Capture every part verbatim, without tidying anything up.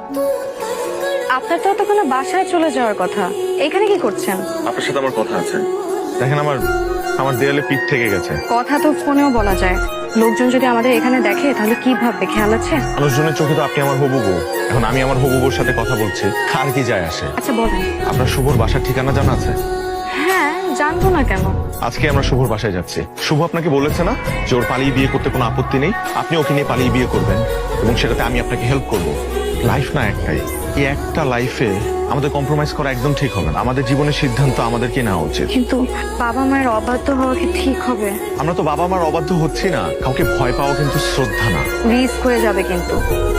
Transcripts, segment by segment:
আপনার তো তখন বাসায় চলে যাওয়ার কথা, এখানে কি করছেন? আপনার সাথে আমার কথা আছে। দেখেন, আমার আমার দেয়ালে পিঠ থেকে গেছে। কথা তো ফোনেও বলা যায়, লোকজন যদি আমাদের এখানে দেখে তাহলে কি ভাববে, খেয়াল আছে? মানুষজনের চোখে তো আপনি আমার হবু বউ, এখন আমি আমার হবু বউর সাথে কথা বলছি, কার কি যায় আসে? আচ্ছা বলেন। আপনার শুভর বাসার ঠিকানা জানা আছে? হ্যাঁ, জানবো না কেন? আজকে আমরা শুভর বাসায় যাচ্ছি। শুভ আপনাকে বলেছে না যে ওর পালিয়ে বিয়ে করতে কোনো আপত্তি নেই, আপনি ওকে নিয়ে পালিয়ে বিয়ে করবেন এবং সেটাতে আমি আপনাকে হেল্প করব। লাইফ না একটাই, এই একটা লাইফে আমাদের কম্প্রোমাইজ করা একদম ঠিক হবে না। আমাদের জীবনের সিদ্ধান্ত আমাদেরকে নেওয়া উচিত। কিন্তু বাবা মায়ের অবাধ্য হওয়া কি ঠিক হবে? আমরা তো বাবা মার অবাধ্য হচ্ছি না, কাউকে ভয় পাওয়া কিন্তু শ্রদ্ধা না। রিস্ক হয়ে যাবে কিন্তু।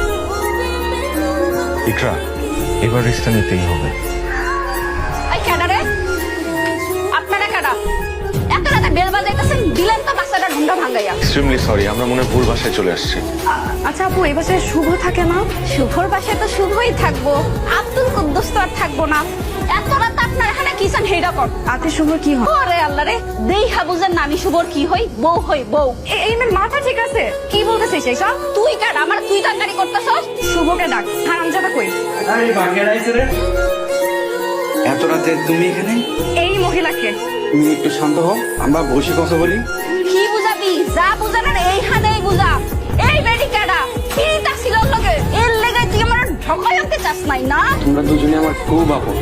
ইকরা, এবার রিস্কটা নিতেই হবে। এই কেডা রে? আপনারা কেডা? এত রাতে বেল বাজাইতেছেন, দিলেন তো বাচ্চাটা ঢুন্ডা ভাঙ্গাইয়া। এক্সট্রিমলি সরি, আমরা মনে হয় ভুল বাসায় চলে আসছি। আচ্ছা আপু, এই বাসায় শুভ থাকে না? শুভর বাসায় তো শুভই থাকবো, আব্দুল কুদ্দুস তো আর থাকবো না। এত রাত আপনার এখানে কিসেন হেইডা কর? আতে শুভ কি হয়? ওরে আল্লাহ রে, দেইহা বুঝেন না আমি শুভর কি হই? বউ হই বউ। এ- এই মেয়ের মাথা ঠিক আছে? কি বলতেছিস এইসব? তুই কেডা? আমার তুই তাঙ্গারি করতেছস? শুভকে ডাক, হারামজাদা কই? আরে বাগের আইছে রে। এত রাতে তুমি এখানে? এই মহিলাকে। তুমি একটু শান্ত হও, আমরা বসে কথা বলি। কি বুঝাবি? যা বুঝানোর এইখানেই বুঝা। এই বেডি কেডা? পিরিতা ছিল লগে, এর লেগে তুই আমার ঢকাই আনতে চাস নাই না? তোমরা দুজনে আমার খুব আপন।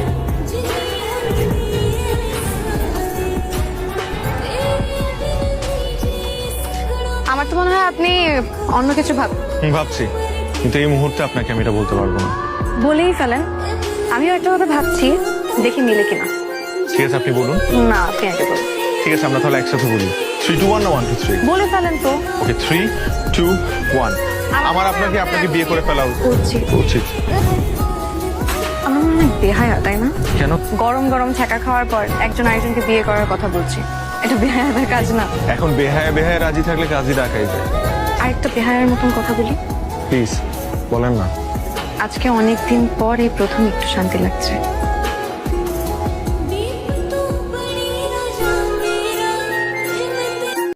আমার তো মনে হয় আপনি অন্য কিছু ভাব হুম, ভাবছি, কিন্তু এই মুহূর্তে আপনাকে আমি এটা বলতে পারবো না। বলেই ফেলেন। আমিও একটা কথা ভাবছি, দেখি মিলে কিনা। ঠিক আছে, আপনি বলুন। না, আপনি আগে বলুন। ঠিক আছে, আমরা তাহলে একসাথে বলি। থ্রি টু ওয়ান না ওয়ান টু থ্রি? বলে ফেলেন তো। Okay, three two one. আমার আপনাকে আপনাকে বিয়ে করে ফেলা উচিত। উচিত। আমার মনে হয় বেহায়া, তাই না? কেন? গরম গরম ছ্যাঁকা খাওয়ার পর একজন আরেকজনকে বিয়ে করার কথা বলছি, এটা বেহায়াদের কাজ না। এখন বেহায়া বেহায়া রাজি থাকলে কাজই ডাকাই যায়। আরেকটা বেহায়ার মতন কথা বলি। প্লিজ বলেন না। আজকে অনেকদিন পর এই প্রথম একটু শান্তি লাগছে।